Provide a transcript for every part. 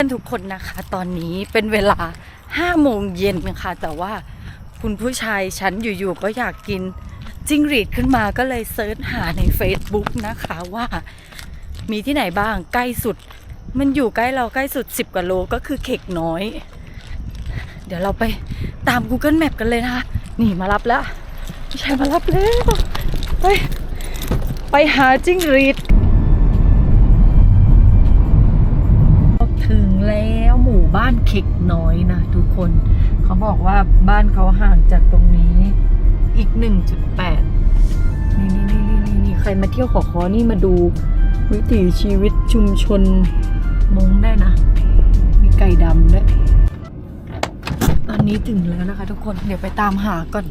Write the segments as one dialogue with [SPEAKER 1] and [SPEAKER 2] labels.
[SPEAKER 1] ทุกคนนะคะตอนนี้เป็นเวลา5 โมงเย็นค่ะแต่ว่าคุณผู้ชายฉันอยู่ๆก็อยากกินจิ้งหรีดขึ้นมาก็เลยเซิร์ชหาใน Facebook นะคะว่ามีที่ไหนบ้างใกล้สุดมันอยู่ใกล้เราใกล้สุด10 กว่าโลก็คือเข็กน้อยเดี๋ยวเราไปตาม Google Map กันเลยนะคะนี่มารับแล้วผู้ชายมารับแล้วไปหาจิ้งหรีดถึงแล้วหมู่บ้านเข็กน้อยนะทุกคนเขาบอกว่าบ้านเขาห่างจากตรงนี้อีก 1.8 นี่ใครมาเที่ยวขอนี่มาดูวิถีชีวิตชุมชนม้งได้นะมีไก่ดำด้วยตอนนี้ถึงแล้วนะคะทุกคนเดี๋ยวไปตามหาก่อน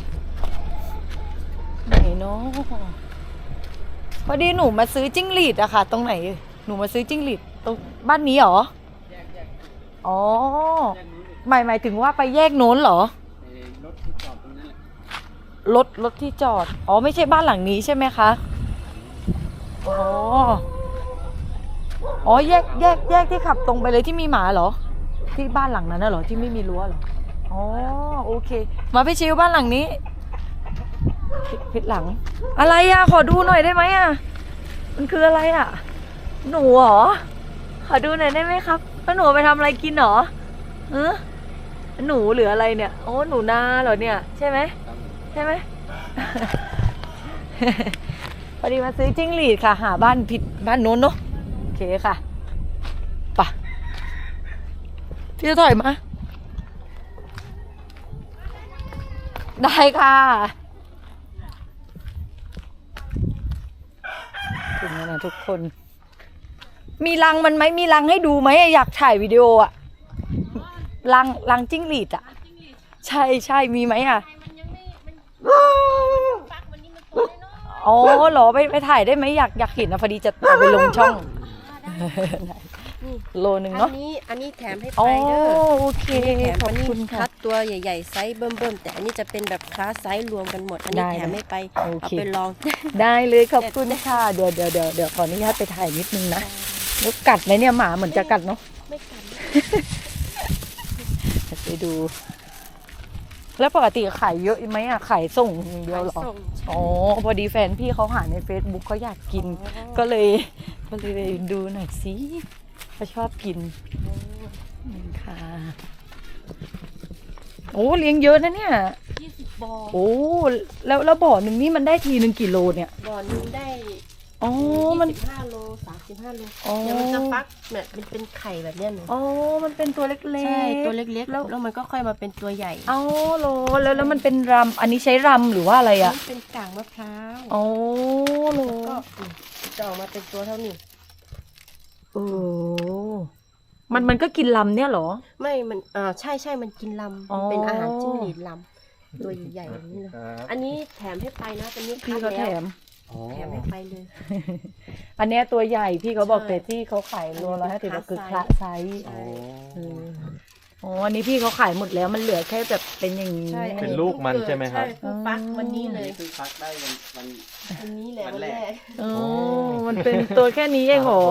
[SPEAKER 1] ไหนเนาะพอดีหนูมาซื้อจิ้งหรีดอะค่ะตรงไหนหนูมาซื้อจิ้งหรีดตรงบ้านนี้เหรออ๋อหมายถึงว่าไปแยกโน้นเหรอรถที่จอดตรงนั้นรถที่จอดอ๋อไม่ใช่บ้านหลังนี้ใช่ไหมคะอ๋อแยกที่ขับตรงไปเลยที่มีหมาเหรอที่บ้านหลังนั้นน่ะเหรอที่ไม่มีรั้วเหรออ๋อโอเคมาพี่ชิวบ้านหลังนี้ผิดหลังอะไรอะขอดูหน่อยได้ไหมอะมันคืออะไรอะหนูเหรอขอดูหน่อยได้ไหมครับแล้วหนูไปทำอะไรกินหรอหนูหรืออะไรเนี่ยโอ้หนูนาเหรอเนี่ยใช่ไหมพอดีมาซื้อจิ้งหรีดค่ะหาบ้านผิดบ้านโน้นเนาะโอเคค่ะป่ะพี่จะถอยมาได้ค่ะถึงแล้วนะทุกคนมีรังมันไหมมีรังให้ดูไหมอยากถ่ายวิดีโออะรังจิ้งหรีดอะใช่มีไหมอะอ๋อเหรอไปถ่ายได้ไหมอยากเห็นนะพอดีจะเอาไปลงช่องโลนึงเนาะ
[SPEAKER 2] อันนี้แถมให้ไปเด้อ
[SPEAKER 1] โอเค
[SPEAKER 2] ขอบคุณค่ะคัดตัวใหญ่ๆไซส์เบิ่มๆแต่อันนี้จะเป็นแบบคลาสไซส์รวมกันหมดอันนี้แถมให้ไปเอาไปลอง
[SPEAKER 1] ได้เลยขอบคุณค่ะเดี๋ยวขออนุญาตไปถ่ายนิดนึงนะแล้วกัดไหมเนี่ยหมาเหมือนจะกัดเนาะ
[SPEAKER 2] ไม่กัด
[SPEAKER 1] ไปดูแล้วปกติขายเยอะไหมอะขายส่งอย่างเดียวหรออ๋อพอดีแฟนพี่เขาหาใน Facebook เขาอยากกินก็เลยดูหน่อยสิเขาชอบกินค่ะโอ้เลี้ยงเยอะนะเนี่ย
[SPEAKER 2] 20 บ่อ
[SPEAKER 1] โอ้แล้วบ่อหนึ่งนี่มันได้ทีนึงกี่โลเนี่ย
[SPEAKER 2] บ่อนึงได้
[SPEAKER 1] อ๋อมัน
[SPEAKER 2] 25 โล 35 โลเดี๋ยวมันจะฟักเนี่ยมันเป็นไข่แบบเนี้ยหนู
[SPEAKER 1] อ๋อมันเป็นตัวเล็กๆ
[SPEAKER 2] ใช่ตัวเล็กๆแล้วมันก็ค่อยมาเป็นตัวใหญ่
[SPEAKER 1] อ๋อโลแล้วมันเป็นรำอันนี้ใช้รำหรือว่าอะไรอะ
[SPEAKER 2] เป็นกางมะพร้าว
[SPEAKER 1] อ๋อโล
[SPEAKER 2] ก็จะออกมาเป็นตัวเท่านี้
[SPEAKER 1] มันก็กินลำเนี่ยเหรอ
[SPEAKER 2] ไม่มันใช่มันกินลำเป็นอาหารจิ้งหรีดลำตัวใหญ่ๆแบบนี้เลยอันนี้แถมให้ไปนะเป็นนี้
[SPEAKER 1] พี่เขาแถม
[SPEAKER 2] ให้ไปเลย
[SPEAKER 1] อันนี้ตัวใหญ่พี่เขาบอกแต่ที่เขาขายโลละ50ก็คือคละไซส์อ๋ออันนี้พี่เขาขายหมดแล้วมันเหลือแค่แบบเป็นอย่างนี้
[SPEAKER 3] เป็นลูกมันใช่ไหมครับ
[SPEAKER 2] ใช่ฟักวันนี้เลย
[SPEAKER 3] คือฟักได้
[SPEAKER 2] วันนี้แหละวันแรก
[SPEAKER 1] มันเป็นตัวแค่นี้เองเหรอ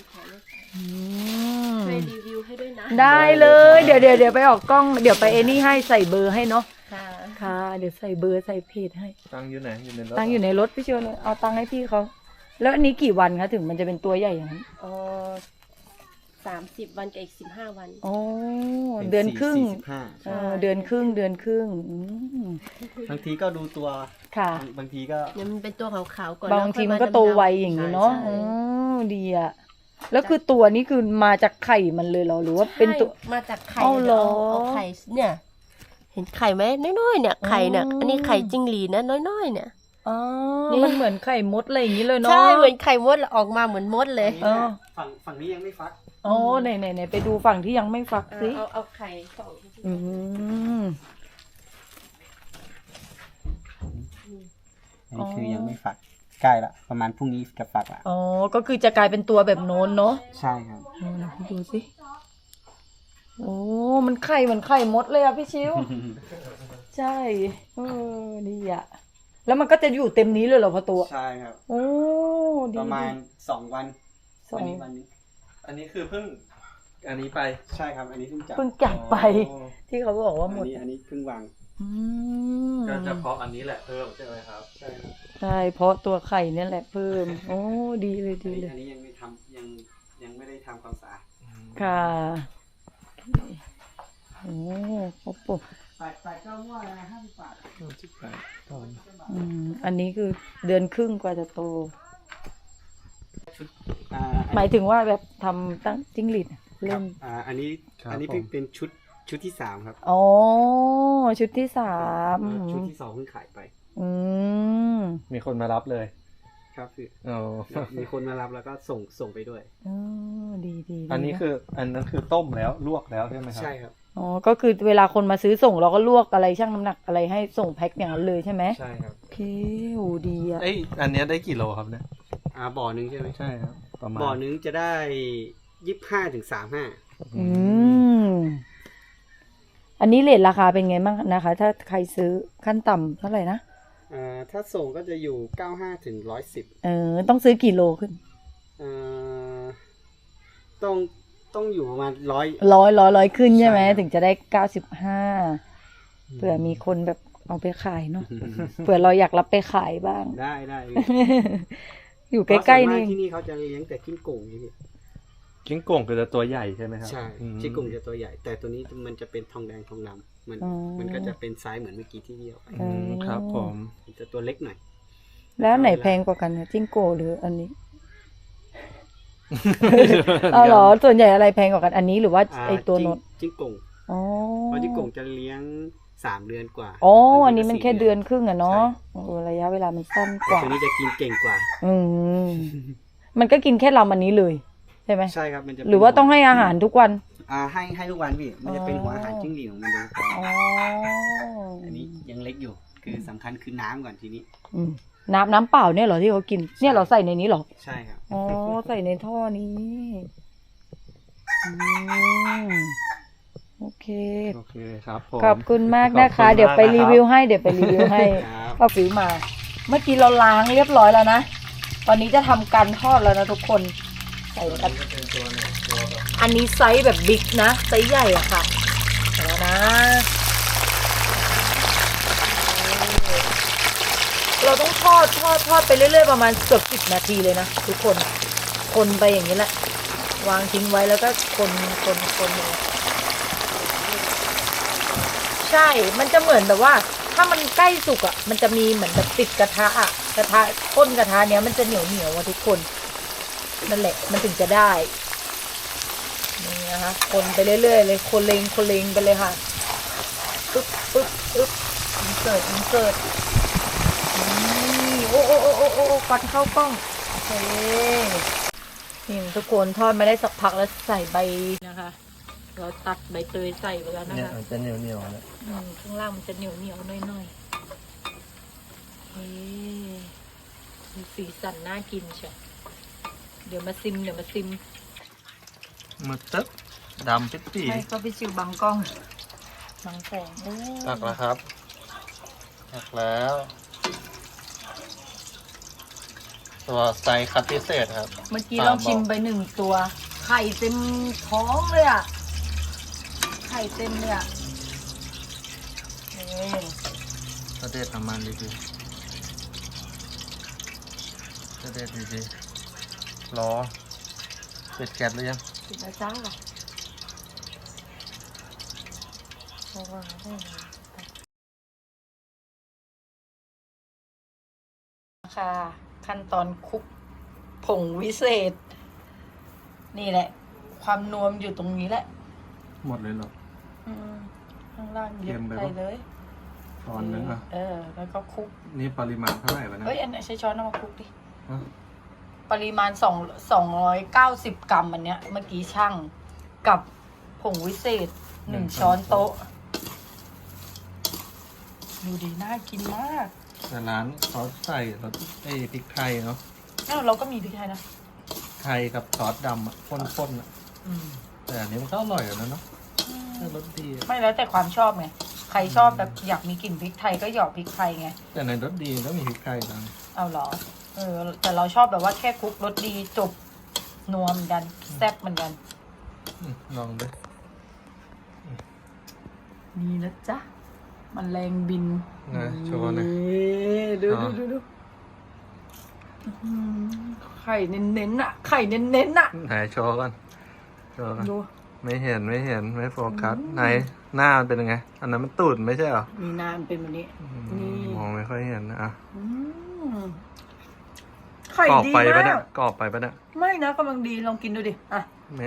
[SPEAKER 2] ช่วยรีวิวให้ด้วยนะ
[SPEAKER 1] ได้เลยเดี๋ยวไปออกกล้องเดี๋ยวไปนี่ให้ใส่เบอร์ให้เนาะค่ะเดี๋ยวใส่เบอร์ใส่เพจให้
[SPEAKER 3] ตังอยู่ไหนอยู่ในรถ
[SPEAKER 1] ตังอยู่ในรถพี่เชียวเลยเอาตังให้พี่เขาแล้วอันนี้กี่วันคะถึงมันจะเป็นตัวใหญ่อย่างนั้น
[SPEAKER 2] 30 วันกับอีก15 วัน
[SPEAKER 1] อ๋อเดือนครึ่งเดือนครึ่ง
[SPEAKER 3] บางทีก็ดูตัว
[SPEAKER 1] ค่ะ
[SPEAKER 3] บางทีก็
[SPEAKER 2] เนี่ยมันเป็นตัวขาวๆก่อน
[SPEAKER 1] บางทีมันก็โตไวอย่างนี้เนาะดีอะแล้วคือตัวนี้คือมาจากไข่มันเลยเหรอหรือว่าเป็นตัว
[SPEAKER 2] มาจากไข่เอาไข่เนี่ยเห็นไข่ไหมน้อยๆเนี่ยไข่เนี่ยอันนี้ไข่จิ้งหรีดนะน้อยๆเนี่ย
[SPEAKER 1] อ๋อมันเหมือนไข่มดอะไรอย่างนี้เลยเนาะ
[SPEAKER 2] ใช่เหมือนไข่มดออกมาเหมือนมดเลย
[SPEAKER 3] ฝั่งนี้ยังไม่ฟัก
[SPEAKER 1] อ๋อไหนไปดูฝั่งที่ยังไม่ฟักสิ
[SPEAKER 2] เอาไข่ส่อง
[SPEAKER 3] นี่คือยังไม่ฟักใกล้ละประมาณพรุ่งนี้จะฟักละ
[SPEAKER 1] อ๋อก็คือจะกลายเป็นตัวแบบโน้นเนาะ
[SPEAKER 3] ใช่ครับ
[SPEAKER 1] ดูสิโอ้มันไข่เหมือนไข่มดเลยอะพี่ชิวใช่ดีอะแล้วมันก็จะอยู่เต็มนี้เลยเหรอพ่อตัว
[SPEAKER 3] ใช่ครับ
[SPEAKER 1] โอ้
[SPEAKER 3] ประมาณ2 วันวันนี้อันนี้คือเพิ่ง
[SPEAKER 4] อันนี้ไป
[SPEAKER 3] ใช่ครับ อันนี้เพิ่งจับ
[SPEAKER 1] เพิ่งจับไป
[SPEAKER 4] อ๋อ
[SPEAKER 1] ที่เขาบอกว่าหมด
[SPEAKER 3] อันนี้เพิ่งวาง
[SPEAKER 1] อืม
[SPEAKER 4] ก็จะเพาะอันนี้แหละเพิ่มใช่ไหมครับ
[SPEAKER 3] ใช่ครับ
[SPEAKER 1] ใช่เพราะตัวไข่เนี่ยแหละเพิ่ม โอ้ดีเลยดีเลย
[SPEAKER 3] อันนี้ยังไม่ทำยังไม่ได้ทำความสะอาด
[SPEAKER 1] ค่ะโอ้โหปุ๊บ
[SPEAKER 3] ใส่ข้าวมั่วนะ50 บาท
[SPEAKER 1] อันนี้คือเดือนครึ่งกว่าจะโต
[SPEAKER 3] อ่า
[SPEAKER 1] หมายถึงว่าแบบทำตั้งจิ้งหรีดเริ่ม
[SPEAKER 3] อันนี้
[SPEAKER 4] ครับ
[SPEAKER 3] อันนี้
[SPEAKER 4] ผม
[SPEAKER 3] เป็นชุดที่ 3 ครับ
[SPEAKER 1] อ๋อ ชุดที่สาม
[SPEAKER 3] ชุดที่ 2เพิ่งขายไป
[SPEAKER 1] อืม
[SPEAKER 4] มีคนมารับเลย
[SPEAKER 3] ครับคือ
[SPEAKER 4] อ๋อ
[SPEAKER 3] มีคนมารับแล้วก็ส่งไปด้วย
[SPEAKER 1] อ๋อดีดีดี
[SPEAKER 4] อันนี้คืออันนั้นคือต้มแล้วลวกแล้วใช่ไหมครับ
[SPEAKER 3] ใช่ครับ
[SPEAKER 1] อ๋อ ก็คือเวลาคนมาซื้อส่งเราก็ลวกอะไรชั่งน้ำหนักอะไรให้ส่งแพ็คอย่างนั้นเลยใช่ไหม
[SPEAKER 4] ใช่ครับ
[SPEAKER 1] โอเคโหดีอ่ะ
[SPEAKER 4] เอ้ยอันเนี้ยได้กี่โลครับเนี่ย
[SPEAKER 3] บ่อนึงใช่ไหม
[SPEAKER 4] ใช่ครับ ประมาณ
[SPEAKER 3] บ่อนึงจะได้25 ถึง 35
[SPEAKER 1] อืม อันนี้เรทราคาเป็นไงบ้างนะคะ ถ้าใครซื้อขั้นต่ำเท่าไหร่นะ
[SPEAKER 3] ถ้าส่งก็จะอยู่95 ถึง 110
[SPEAKER 1] ต้องซื้อกี่โลขึ้น
[SPEAKER 3] ต้องอยู่ประมาณ100
[SPEAKER 1] ร้อยขึ้นใช่ไหม
[SPEAKER 3] ใช่ครับ
[SPEAKER 1] ถึงจะได้95เผื่อมีคนแบบเอาไปขายเนาะ เผื่อเราอยากรับไปขายบ้าง
[SPEAKER 3] ได้
[SPEAKER 1] อยู่ใกล้ๆนี่
[SPEAKER 3] เพราะส่วนมากที่นี่เขาจะเลี้ยงแต่กิ้งก่งนี่พี่
[SPEAKER 4] กิ้งก่งคือจะตัวใหญ่ใช่ไหมครับ
[SPEAKER 3] ใช่
[SPEAKER 4] อืม
[SPEAKER 3] กิ้งก่งจะตัวใหญ่ แต่ตัวนี้มันจะเป็นทองแดงทองดำมันก็จะเป็นไซส์เหมือนเมื่อกี้ที่เดียวไป
[SPEAKER 4] อืมครับผม
[SPEAKER 3] มันจะตัวเล็กหน่อย
[SPEAKER 1] แล้วไหนแพงกว่ากันนะจิ้งโกหรืออันนี้ อ๋อเหรอ ส่วนใหญ่อะไรแพงกว่ากันอันนี้หรือว่าไอตัวโนด
[SPEAKER 3] จิ้งก่ง
[SPEAKER 1] อ๋อ
[SPEAKER 3] เพราะจิ้งก่งจะเลี้ยง3 เดือนกว่า
[SPEAKER 1] อ๋อ
[SPEAKER 3] บางที
[SPEAKER 1] อันนี้มัน
[SPEAKER 3] ก็
[SPEAKER 1] แค่
[SPEAKER 3] 4
[SPEAKER 1] เดือนครึ่งอะเนาะระยะเวลามันสั้นก
[SPEAKER 3] แต่
[SPEAKER 1] ว่า
[SPEAKER 3] ตัวนี้จะกินเก่งกว่า
[SPEAKER 1] อืม มันก็กินแค่ลำอันนี้เลย ใช่ไหม
[SPEAKER 3] ใช่ครับมันจะเป็น
[SPEAKER 1] หรือว่าต้องให้อาหารทุกวัน
[SPEAKER 3] ให้ทุกวันพี่ มันจะเป็นหัวอาหารจิ้งหรีดของมันโดยเฉพาะ
[SPEAKER 1] อ๋อ
[SPEAKER 3] อันนี้ยังเล็กอยู่ คือสำคัญคือน้ำก่อนทีนี้
[SPEAKER 1] อืมน้ำเปล่าเนี่ยเหรอที่เขากิน เนี่ยเราใส่ในนี้เหรอ
[SPEAKER 3] ใช่ครับ
[SPEAKER 1] อ๋อ ใส่ในท่อนี้อืมโอเค
[SPEAKER 4] โอเคครับผม
[SPEAKER 1] ขอบคุณมากนะคะ
[SPEAKER 4] ขอบคุณมาก
[SPEAKER 1] เดี๋ยวไป
[SPEAKER 4] นะครับ
[SPEAKER 1] รีวิวให้ เดี๋ยวไปรีวิวให้
[SPEAKER 3] ครับ
[SPEAKER 1] ป้าฟิวมา เมื่อกี้เราล้างเรียบร้อยแล้วนะ ตอนนี้จะทำการทอดแล้วนะทุกคน ใส่กัน
[SPEAKER 4] จะเป็นตัวเนี่ยตัวแบบ
[SPEAKER 1] อันนี้ไซส์แบบบิ๊กนะ ไซส์ใหญ่อะค่ะเดี๋ยวนะ เราต้องทอดไปเรื่อยๆประมาณเกือบ10 นาทีเลยนะทุกคน คนไปอย่างนี้แหละ วางทิ้งไว้แล้วก็คนอย่างเงี้ยใช่ มันจะเหมือนแบบว่า ถ้ามันใกล้สุกอ่ะ มันจะมีเหมือนแบบติดกระทะอ่ะ กระทะก้นกระทะเนี้ยมันจะเหนียวอ่ะทุกคน นั่นแหละ มันถึงจะได้ นี่นะคะคนไปเรื่อยๆเลย คนเลงไปเลยค่ะ ปึ๊บอินเสิร์ตนี่โอ้ฟันเข้ากล้อง โอเค นี่ทุกคนทอดมาได้สักพักแล้วใส่ใบนะคะ เราตัดใบเตยใส่ไปแล้วนะ
[SPEAKER 4] เนี่ย
[SPEAKER 1] คะ
[SPEAKER 4] มันจะเหนียวๆนะ
[SPEAKER 1] ข้างล่างมันจะเหนียวหน่อยๆมีสีสันน่ากินใช่เดี๋ยวมาซิม
[SPEAKER 4] มือตึ๊บดำปิ๊ดปี
[SPEAKER 1] ให้ก็ไปชิวบังกล้องบังแสงโอ้
[SPEAKER 4] ตักแล้วครับตักแล้ว ตัวไซส์คัดพิเศษครับ
[SPEAKER 1] เมื่อกี้เราชิมไป1 ตัว ไข่เต็มท้องเลยอ่ะ ไข่เต็มเลยอ่ะนี่
[SPEAKER 4] กระเด็ดน้ำมันดีๆกระเด็ดดีๆรอปิดแก๊สหรือยัง
[SPEAKER 1] ปิดแล้วจ้าระวังด้วยค่ะ ขั้นตอนคลุกผงวิเศษ นี่แหละ ความนวมอยู่ตรงนี้แหละ
[SPEAKER 4] หมดเลยเหรอ
[SPEAKER 1] ข้างล่างเย
[SPEAKER 4] เค็
[SPEAKER 1] อะ
[SPEAKER 4] มไป
[SPEAKER 1] ไป
[SPEAKER 4] ปะ
[SPEAKER 1] เลย
[SPEAKER 4] ช้อนนึงอ่ะ
[SPEAKER 1] แล้วก็คลุก
[SPEAKER 4] นี่ปริมาณเท่าไหร่วะเนะ
[SPEAKER 1] เอ้ยอันไหนใช้ช้อนเอามาคลุกดิ
[SPEAKER 4] ฮะ
[SPEAKER 1] ปริมาณ290 กรัมอันเนี้ย เมื่อกี้ช่างกับผงวิเศษ1 ช้อนโต๊ะ ดูดีน่ากินมาก
[SPEAKER 4] แต่ร้านเขาใส่รสพริกไทยเนาะ
[SPEAKER 1] เราก็มีพริกไทยนะ
[SPEAKER 4] ไทยกับซอสดำอ่ะข้นๆอ่ะ แต่อันนี้มันก็อร่อยอยู่นะเนาะรสดีอะ
[SPEAKER 1] ไม่แล้วแต่ความชอบไง ใครชอบแบบอยากมีกลิ่นพริกไทยก็หยอกพริกไทยไง
[SPEAKER 4] แต่ในรสดีก็มีพริกไทยนะ
[SPEAKER 1] เอาเหรอ แต่เราชอบแบบว่าแค่คลุกรสดีจบนัวเหมือนกันแซ่บเหมือนกัน
[SPEAKER 4] ลองด้วย
[SPEAKER 1] นี่นะจ๊ะมันแรงบิน
[SPEAKER 4] นะโชว์หน่อย
[SPEAKER 1] ดู
[SPEAKER 4] อ๋อ
[SPEAKER 1] ดูไข่เน้นๆอ่ะ ไข่เน้นๆอ่ะ
[SPEAKER 4] ไหนโชว์ก่อนโชว์ก่อน
[SPEAKER 1] ดู
[SPEAKER 4] ไม่เห็นไม่โฟกัสไหนหน้ามันเป็นยังไง อันนั้นมันตูดไม่ใช่เหรอ
[SPEAKER 1] มีน้ำเป็นแบบนี้ นี่
[SPEAKER 4] มองไม่ค่อยเห็นนะอ่ะ
[SPEAKER 1] อืมไข่
[SPEAKER 4] กรอบ
[SPEAKER 1] ดี
[SPEAKER 4] ไปปะ
[SPEAKER 1] มา
[SPEAKER 4] เนี่ย
[SPEAKER 1] ก
[SPEAKER 4] กรอบไปปะเนี่ย
[SPEAKER 1] ไม่นะกำลังดีลองกินดูดิ อ่ะ